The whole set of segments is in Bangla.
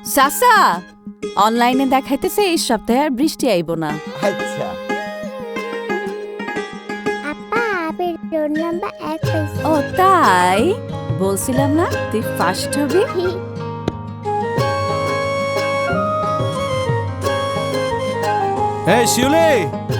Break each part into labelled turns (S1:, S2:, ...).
S1: সাসা অনলাইনে দেখাইতেছে এই সপ্তাহে আর বৃষ্টি আইব না।
S2: আচ্ছা
S3: আপা আমি রোল নাম্বার 1 পেয়েছি।
S1: ও তাই বলছিলাম না তুই ফার্স্ট হবি।
S4: এই শিউলি,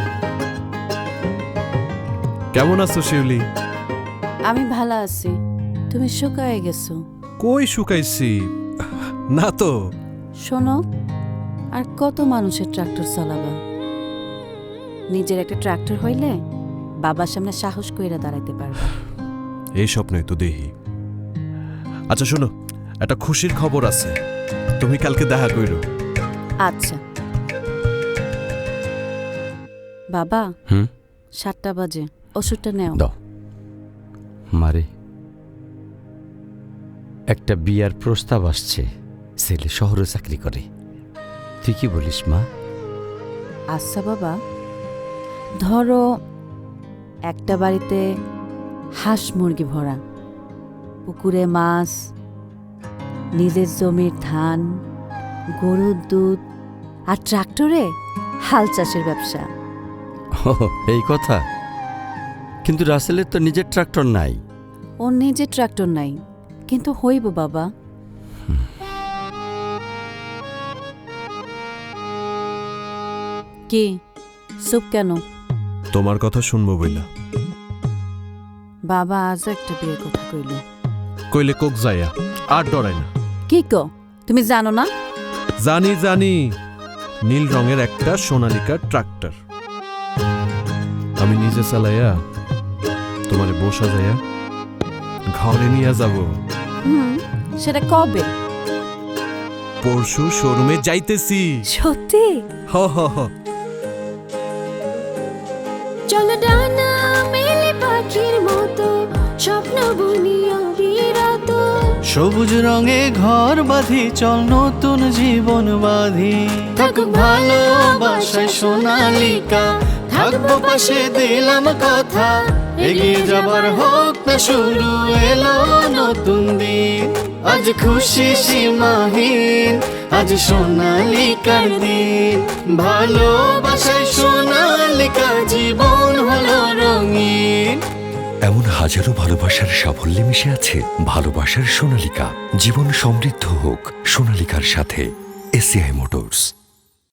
S4: কেমন আছো শিউলি?
S1: আমি ভালো আছি, তুমি শুকায় গেছো।
S4: কই শুকাইছি না তো।
S1: শোনো, আর কত মানুষের ট্রাক্টর চালাবা? নিজের একটা ট্রাক্টর হইলে বাবার সামনে সাহস কইরা দাঁড়াইতে পারবা।
S4: এই স্বপ্নে তো দেহি। আচ্ছা শোনো, একটা খুশির খবর আছে, তুমি কালকে দেখা কইরো।
S1: আচ্ছা বাবা, 7টা বাজে, ওষুধটা নেও।
S2: দাও মারে, একটা বিয়ার প্রস্তাব আসছে, ছেলে শহরে চাকরি করে। তুই কি বলিস মা?
S1: আচ্ছা বাবা, ধরো একটা বাড়িতে হাঁস মুরগি ভরা, পুকুরে মাছ, নিজের জমির ধান, গরুর দুধ আর ট্রাক্টরে হাল চাষের ব্যবসা।
S2: ও, এই কথা। কিন্তু রাসেলের তো নিজের ট্রাক্টর নাই।
S1: ওর নিজের ট্রাক্টর নাই, কিন্তু হইব বাবা। কি চুপ কেন?
S4: তোমার কথা শুনবো বইলা।
S1: বাবা আজও একটা বিয়ের কথা কইল।
S4: কইলে কোক যাইয়া আর ডরাই না।
S1: কি কো, তুমি জানো না?
S4: জানি জানি, নীল রঙের একটা সোনালিকা ট্রাক্টর আমি নিজে চালাইয়া তোমারে বসা যাইয়া ঘরে নিয়ে যাব।
S1: সেটা কবে?
S4: পরশু শোরুমে যাইতেছি।
S1: সত্যি?
S4: হ হ হ।
S3: চলো ডানা মেলে পাখির মতো স্বপ্ন বুনি অবিরত।
S5: সবুজ রঙে ঘর বাঁধি, চল নতুন জীবন বাঁধি। থাকুক ভালোবাসায় সোনালিকা, থাকবো পাশে দিলাম কথা। এগিয়ে যাবার হোক না শুরু, এলো নতুন দিন। আজ খুশি সীমাহীন, আজ সোনালিকার দিন। ভালোবাসায় সোনালিকা, জীবন হলো রঙিন।
S6: এমন হাজারো ভালোবাসার সাফল্যে মিশে আছে ভালোবাসার সোনালিকা। জীবন সমৃদ্ধ হোক সোনালিকার সাথে। ACI motors.